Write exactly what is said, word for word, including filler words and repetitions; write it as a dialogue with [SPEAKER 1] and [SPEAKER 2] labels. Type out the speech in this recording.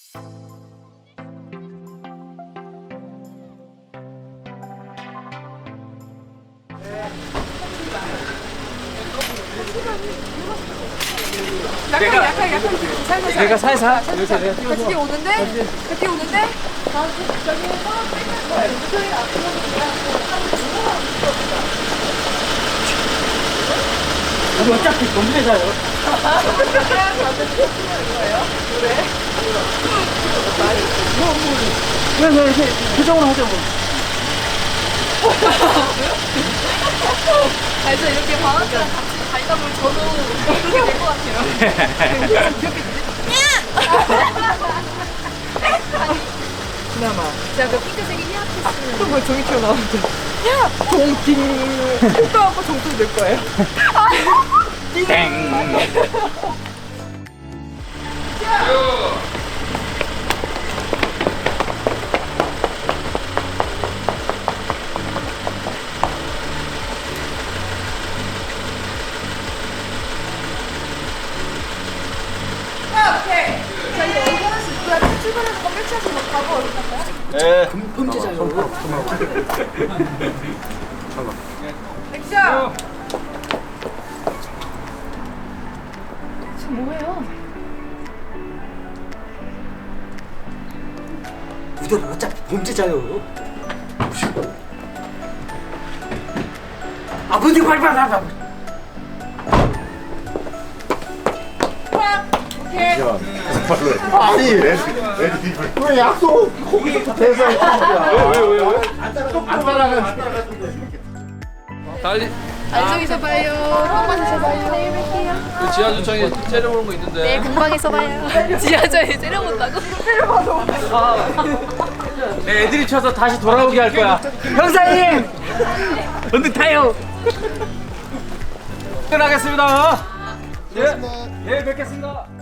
[SPEAKER 1] 약간 약간 약간 살살
[SPEAKER 2] 내가 살살
[SPEAKER 1] 같이 오는데 같이 오는데 저기 소리가 안
[SPEAKER 2] 우리 어차피 검색해서요. 그래? 그래 이렇게 표정으로 하자 뭐.
[SPEAKER 1] 알죠? 이렇게 방학이랑 같이 가다 보면 저도 그렇게 될 것 같아요.
[SPEAKER 2] 그나마.
[SPEAKER 1] 제가 그 핑크색이 히아티스.
[SPEAKER 3] 또 뭐 종이 튀어나오는데. 야! 종팅! 효과하고 종팅 될 거예요.
[SPEAKER 2] 땡.
[SPEAKER 1] 오케이. 자, 이제 어디 하나씩 누가 출발하는 거 펼쳐서 막 가고 어디 갈까요?
[SPEAKER 2] 예.
[SPEAKER 3] 범죄자요.
[SPEAKER 1] 액션!
[SPEAKER 3] 지금 뭐예요?
[SPEAKER 2] 우리는 어차피 범죄자요. 아버지 발발하라.
[SPEAKER 1] 오케이.
[SPEAKER 4] 아니 왜 약속 거기서 대사에
[SPEAKER 2] 왜왜 왜 왜?
[SPEAKER 4] 안 따라가
[SPEAKER 5] 달리
[SPEAKER 1] 안쪽에서 봐요. 한번에서 봐요. 내일 뵐게요.
[SPEAKER 5] 그 지하주차장에 째려보는 거 있는데.
[SPEAKER 1] 네, 공방에서 봐요. 지하철에 째려본다고?
[SPEAKER 2] 내 애들이 쳐서 다시 돌아오게 할 거야. 형사님! 언제 타요? 끝나겠습니다. 예, 예, 뵙겠습니다.